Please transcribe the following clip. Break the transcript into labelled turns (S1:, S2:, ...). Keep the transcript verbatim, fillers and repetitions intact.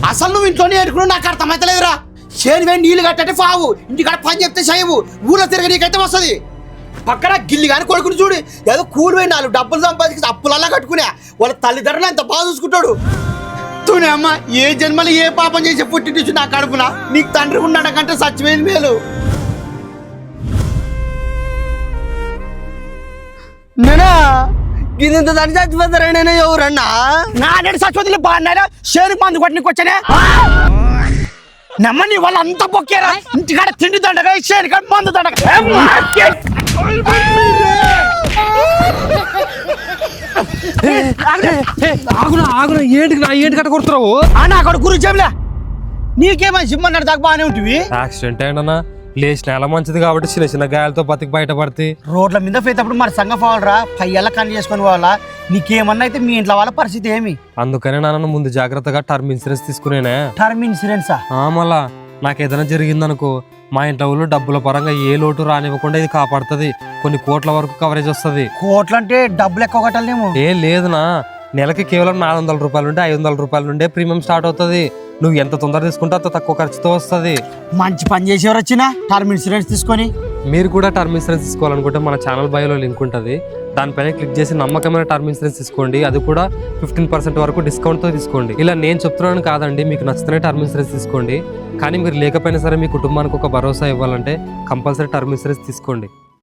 S1: అసలు నువ్వు ఇంట్లోనే ఏడుకున్నావు నాకు అర్థమైతలేదురా. చేను వేడి నీళ్ళు కట్టంటే ఫావు, ఇంటికాడ పని చెప్తే చేయవు, ఊళ్ళో తిరగ నీకైతే వస్తుంది. పక్కన గిల్లి కానీ కొడుకుని చూడు, ఏదో కూలి పోయి నాలుగు డబ్బులు సంపాదించి అప్పులల్లా కట్టుకునే వాళ్ళ తల్లిదండ్రులు ఎంత బాగా చూసుకుంటాడు. తూనే అమ్మ, ఏ జన్మలు ఏ పాపం చేసి పుట్టి నా కడుపున నీకు తండ్రి ఉన్నాడు కంటే సచ్చిపోయింది మేలు. నేనా గిన్నెంత దాన్ని చచ్చిపోతారా? నేను ఎవరన్నా నా నేను చచ్చిపోతే బాగున్నారా? షేరుకు మందు కొట్టనికి వచ్చానే నమ్మని వాళ్ళు అంతా పొక్కారా. ఇంటికాడ తిండి దండగా, షేరుకాడ మందు దండగా.
S2: ఆగునా ఆగునా ఏంటి ఏంటి కట్ట కొడుతున్నావు?
S1: నా అక్కడ గురించి చెప్పలే, నీకేమని సిమ్మన్నాడు దాకా బాగానే ఉంటుంది.
S2: యాక్సిడెంట్ అయినా లేచి నెల మంచిది కాబట్టి చిన్న చిన్న గాయాలతో బతికి బయటపడితే
S1: రోడ్ల మీద పోయేటప్పుడు మరి సంగ పోవాలరా, పయ్యల్లా కన్ను చేసుకొని పోవాలా. నీకేమన్నా అయితే మీ ఇంట్లో వాళ్ళ పరిస్థితి ఏమి?
S2: అందుకనే నాన్న ముందు జాగ్రత్తగా టర్మ్ ఇన్సూరెన్స్ తీసుకునేనే.
S1: టర్మ్ ఇన్సూరెన్సా?
S2: మళ్ళా నాకు ఏదైనా జరిగిందనుకో మా ఇంట్లో వాళ్ళు డబ్బుల పరంగా ఏ లోటు రానివ్వకుండా ఇది కాపాడుతుంది. కొన్ని కోట్ల వరకు కవరేజ్ వస్తుంది.
S1: కోట్లు అంటే డబ్బులు ఎక్కువ కట్టాలేమో?
S2: ఏ లేదునా, నెలకి కేవలం నాలుగు వందల రూపాయలు నుండి ఐదు వందల రూపాయల నుండే ప్రీమియం స్టార్ట్ అవుతుంది. నువ్వు ఎంత తొందర తీసుకుంటే అంత తక్కువ ఖర్చుతో వస్తుంది.
S1: మంచి పని చేసేవారు వచ్చినా టర్మ్ ఇన్సూరెన్స్ తీసుకొని.
S2: మీరు కూడా టర్మ్ ఇన్సూరెన్స్ తీసుకోవాలనుకుంటే మన ఛానల్ బయోలో లింక్ ఉంటుంది, దానిపైన క్లిక్ చేసి నమ్మకమైన టర్మ్ ఇన్సూరెన్స్ తీసుకోండి. అది కూడా ఫిఫ్టీన్ పర్సెంట్ వరకు డిస్కౌంట్తో తీసుకోండి. ఇలా నేను చెప్తున్నాను కాదండి, మీకు నచ్చితేనే టర్మ్ ఇన్సూరెన్స్ తీసుకోండి. కానీ మీరు లేకపోయినా సరే మీ కుటుంబానికి ఒక భరోసా ఇవ్వాలంటే కంపల్సరీ టర్మ్ ఇన్సూరెన్స్ తీసుకోండి.